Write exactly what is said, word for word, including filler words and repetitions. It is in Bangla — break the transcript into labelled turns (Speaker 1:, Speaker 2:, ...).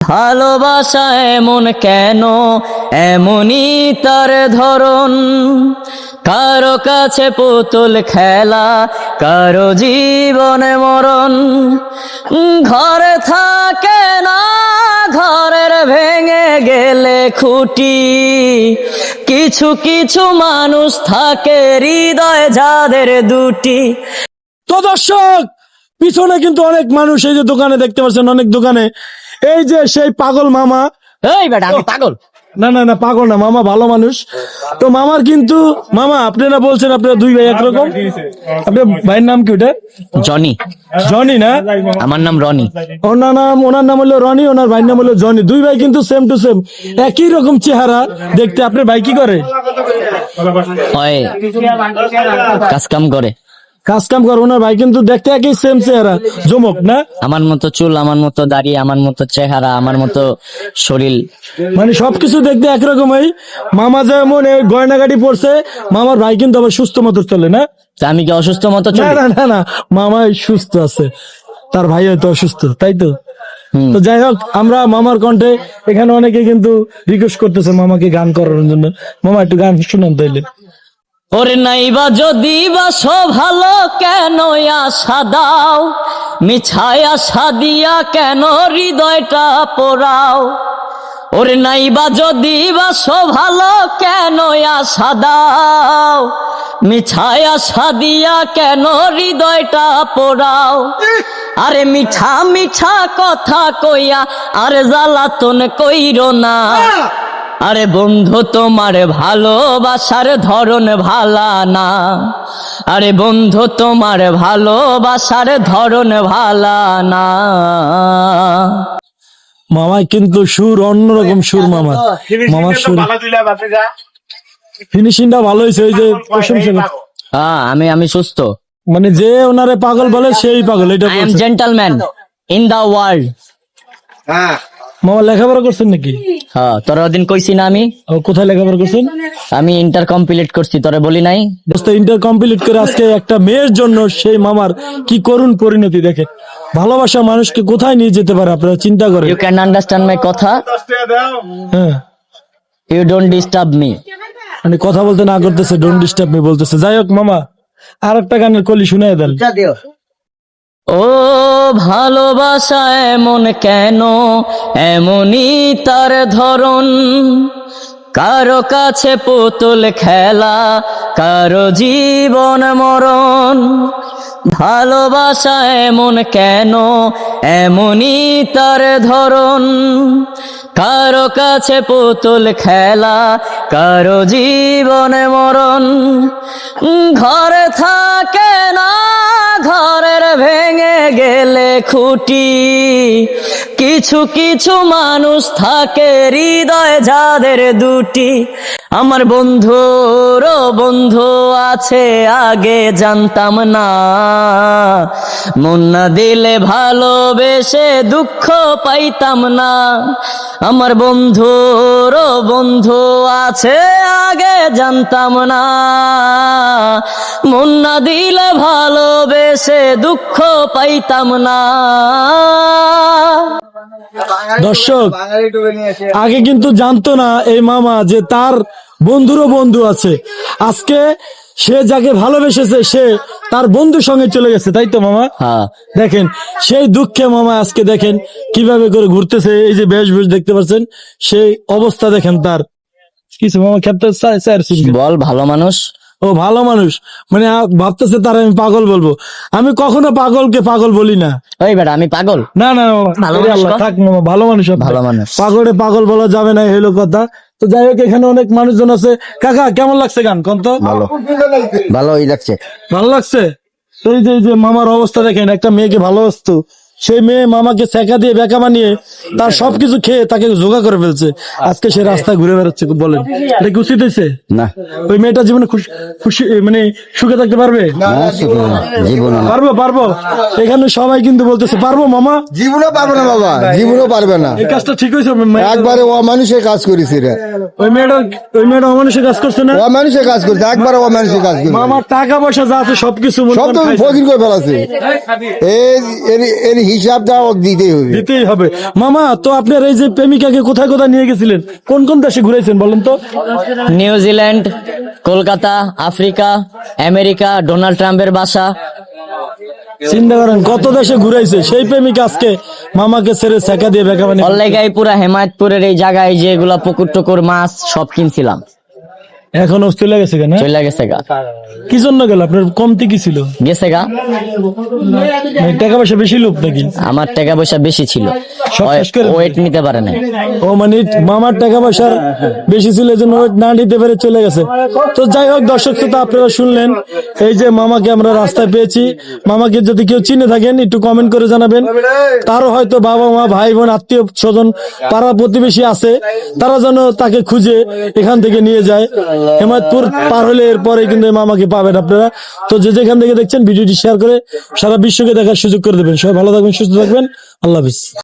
Speaker 1: ভালোবাসা এমন কেন, এমনই তার ধরন। কারো কাছে পুতুল খেলা, কারো জীবনে মরণ। ঘরে থাকে না, ঘরের ভেঙে গেলে খুঁটি। কিছু কিছু মানুষ থাকে হৃদয় যাদের দুটি।
Speaker 2: তো দর্শক, পিছনে কিন্তু অনেক মানুষ, এই যে দোকানে দেখতে পাচ্ছেন অনেক দোকানে, এই যে সেই পাগল মামা।
Speaker 1: এই বেটা আমি পাগল
Speaker 2: না না না, পাগল না, মামা ভালো মানুষ। তো মামার কিন্তু, মামা আপনারা বলছেন আপনারা দুই ভাই একরকম, আপনার ভাইয়ের নাম কি ওটা?
Speaker 1: জনি।
Speaker 2: জনি না,
Speaker 1: আমার নাম রনি।
Speaker 2: ওনার নাম ওনার নাম হলো রনি, ওনার ভাইয়ের নাম হলো জনি। দুই ভাই কিন্তু সেম টু সেম, একই রকম চেহারা দেখতে। আপনার ভাই কি করে?
Speaker 1: হয় কাজ কাম করে।
Speaker 2: কাজ কাম করে। ওনার ভাই কিন্তু দেখতে একই সেম চেহারা, জমক না?
Speaker 1: আমার মতো চুল, আমার মতো দাড়ি, আমার মতো চেহারা, আমার মতো শরীর,
Speaker 2: মানে সবকিছু দেখতে একরকমই। মামা যেমন এই গয়নাগাটি পড়ছে, মামার ভাই কিন্তু আবার সুস্থ মতো চলে না?
Speaker 1: তা আমি কি অসুস্থ মতো
Speaker 2: না
Speaker 1: চলি?
Speaker 2: না না না, মামাই সুস্থ আছে, তার ভাই হয়তো অসুস্থ, তাই তো?
Speaker 1: হুম।
Speaker 2: তো যাই হোক, আমরা মামার কণ্ঠে এখানে অনেকে কিন্তু রিকোয়েস্ট করতেছে মামাকে গান করার জন্য। মামা একটু গান শুনান তাইলে।
Speaker 1: ওরে নাইবা যদি বাসো ভালো, কেন আশা দাও? মিছায় আশা দিয়া কেন হৃদয়টা পোড়াও? ওরে নাইবা যদি বাসো ভালো, কেন আশা দাও? মিছায় আশা দিয়া কেন হৃদয়টা পোড়াও? আরে মিঠা মিঠা কথা কইয়া আর জ্বালাতন কইরো না। আরে বন্ধু তোমার ভালোবাসার ধরন ভালা না। আরে বন্ধু তোমার ভালোবাসার ধরন ভালা না।
Speaker 2: মামাই কিন্তু সুর অন্যরকম সুর, মামা মামার সুর ফিনিশিংটা ভালো হয়েছে। ওই যে প্রশংসা,
Speaker 1: হ্যাঁ আমি আমি সুস্থ।
Speaker 2: মানে যে ওনারে পাগল বলে সেই পাগল, এটা
Speaker 1: আই এম
Speaker 2: বলছে।
Speaker 1: Gentleman in the world.
Speaker 2: মামা লেখাপড়া করছেন নাকি?
Speaker 1: হ্যাঁ তোরা ওদিন কইছি না আমি?
Speaker 2: ও, কোথায় লেখাপড়া করছেন?
Speaker 1: আমি ইন্টার কমপ্লিট করছি, তোরে বলি নাই?
Speaker 2: দোস্ত, ইন্টার কমপ্লিট করে আজকে একটা মেয়ের জন্য সেই মামার কি করুণ পরিণতি দেখে। ভালোবাসা মানুষকে কোথায় নিয়ে যেতে পারে আপনারা চিন্তা করেন।
Speaker 1: ইউ ক্যান আন্ডারস্ট্যান্ড মাই কথা,
Speaker 2: হ্যাঁ,
Speaker 1: ইউ ডোন্ট ডিস্টার্ব মি।
Speaker 2: মানে কথা বলতে না করতেছে, ডোন্ট ডিস্টার্ব মি বলতেছে। যাই হোক মামা, আর একটা গানের কলি শুনাই দেন।
Speaker 1: ও ভালোবাসা এমন কেন, এমনই তার ধরন। কারো কাছে পুতুল খেলা, কারো জীবন মরণ। ভালোবাসা এমন কেন, এমনই তার ধরন। কারো কাছে পুতুল খেলা, কারো জীবন মরণ। ঘরে থাকে না, ঘরের ভেঙে গেলে খুঁটি। কিছু কিছু মানুষ থাকে হৃদয় যাদের দুটি। আমার বন্ধুর বন্ধু আছে, আগে জানতাম না। মন না দিলে ভালোবেসে দুঃখ পাইতাম না। আমার বন্ধুর বন্ধু আছে, আগে জানতাম না। মন না দিলে ভালোবেসে দুঃখ পাইতাম না।
Speaker 2: দর্শক, আগে কিন্তু জানতো না এই মামা যে তার বন্ধুরও বন্ধু আছে। আজকে সে যাকে ভালোবেসেছে সে তার বন্ধুর সঙ্গে চলে গেছে, তাই তো মামা?
Speaker 1: হ্যাঁ
Speaker 2: দেখেন সেই দুঃখে মামা আজকে দেখেন কিভাবে করে ঘুরতেছে। এই যে বেশ বেশ দেখতে পাচ্ছেন, সেই অবস্থা দেখেন তার। কিছু মামা খেতে
Speaker 1: বল, ভালো মানুষ।
Speaker 2: ও ভালো মানুষ, মানে আ- ভাবতেছে তার আমি পাগল বলবো। আমি কখনো পাগলকে পাগল বলি না।
Speaker 1: ওই বেটা আমি পাগল?
Speaker 2: না না মামা,
Speaker 1: ভালো
Speaker 2: ওরে
Speaker 1: মানুষ
Speaker 2: আল্লাহ,
Speaker 1: কর।
Speaker 2: থাক মামা, ভালো মানুষ আপনি।
Speaker 1: ভালো মানুষ।
Speaker 2: পাগলে পাগল বলা যাবে না, এই হলো কথা। তো যাই হোক, এখানে অনেক মানুষজন আছে। কাকা কেমন লাগছে গান কোন তো?
Speaker 3: ভালো ভালোই লাগছে।
Speaker 2: ভালো লাগছে। তো এই যে এই যে মামার অবস্থা দেখেন, একটা মেয়েকে ভালোবাসতো, সেই মেয়ে মামাকে ছেঁকা দিয়ে বেকা বানিয়ে তার সবকিছু খেয়ে তাকে জোগা করে ফেলছে। আজকে সে রাস্তায় ঘুরে বেড়াচ্ছে। বলেন এটা কি উচিত হয়েছে?
Speaker 3: না
Speaker 2: ওই মেয়েটা জীবনে খুশি খুশি মানে সুখে থাকতে পারবে?
Speaker 3: না, শুধু না, জীবনও না।
Speaker 2: পারবো পারবো। এখানে সবাই কিন্তু বলতেছে পারবো মামা।
Speaker 3: জীবনও পারবে না বাবা, জীবনও পারবে না।
Speaker 2: এই কাজটা ঠিক হয়েছে?
Speaker 3: একবারে ও মানুষের কাজ করেছে রে।
Speaker 2: ওই মেয়েটা ওই মেয়েটা অমানুষের কাজ করছে না?
Speaker 3: ও মানুষের কাজ করছে, একবারে ও মানুষের কাজ করছে।
Speaker 2: মামার টাকা পয়সা যা আছে সবকিছু মনে
Speaker 3: সব
Speaker 2: করেন
Speaker 3: তো
Speaker 2: খাইছে।
Speaker 3: ফকির করে ফেলাছে। এই এর- এর হিসাবটা ও দিতেই হবে।
Speaker 2: দিতেই হবে। মামা, তো আপনার এই যে প্রেমিকাকে কোথায় কোথায় নিয়ে গেছিলেন, কোন কোন দেশে ঘুরাইছেন বলেন তো?
Speaker 1: New Zealand, Kolkata, Africa, America, Donald ট্রাম্পের বাসা।
Speaker 2: চিন্তা করেন কত দেশে ঘুরাইছে সেই প্রেমিকা আজকে মামাকে ছেড়ে ছেকা দিয়ে বেকা বানিয়ে।
Speaker 1: অল্লেগাই পুরা হেমায়তপুরের এই জায়গায় যেগুলা পুকুর টুকুর মাছ সব কিনছিলাম,
Speaker 2: এখন চলে গেছে কেন?
Speaker 1: চলে গেছে গা।
Speaker 2: কি জন্য গেল? আপনার কমতি কি ছিল?
Speaker 1: গেছে গা।
Speaker 2: মানে টাকা পয়সা বেশি লোক নাকি?
Speaker 1: আমার টাকা পয়সা বেশি ছিল,
Speaker 2: সব শেষ করে দিল।
Speaker 1: ওয়েট নিতে পারে নাই।
Speaker 2: ও মানে মামার টাকা পয়সা বেশি ছিল, এই জন্য ওয়েট না নিতে পেরে চলে গেছে। তো যাই হোক দর্শক, তো আপনারা শুনলেন এই যে মামাকে আমরা রাস্তায় পেয়েছি। মামাকে যদি কেউ চিনে থাকেন একটু কমেন্ট করে জানাবেন। তারও হয়তো বাবা মা ভাই বোন আত্মীয় স্বজন পাড়া প্রতিবেশী আছে, তারা যেন তাকে খুঁজে এখান থেকে নিয়ে যায়। হেমায়তপুর পার হলে এরপরে কিন্তু এই মামাকে পাবেন আপনারা। তো যে যেখান থেকে দেখছেন ভিডিওটি শেয়ার করে সারা বিশ্বকে দেখার সুযোগ করে দেবেন। সবাই ভালো থাকবেন, সুস্থ থাকবেন, আল্লাহ হাফিজ।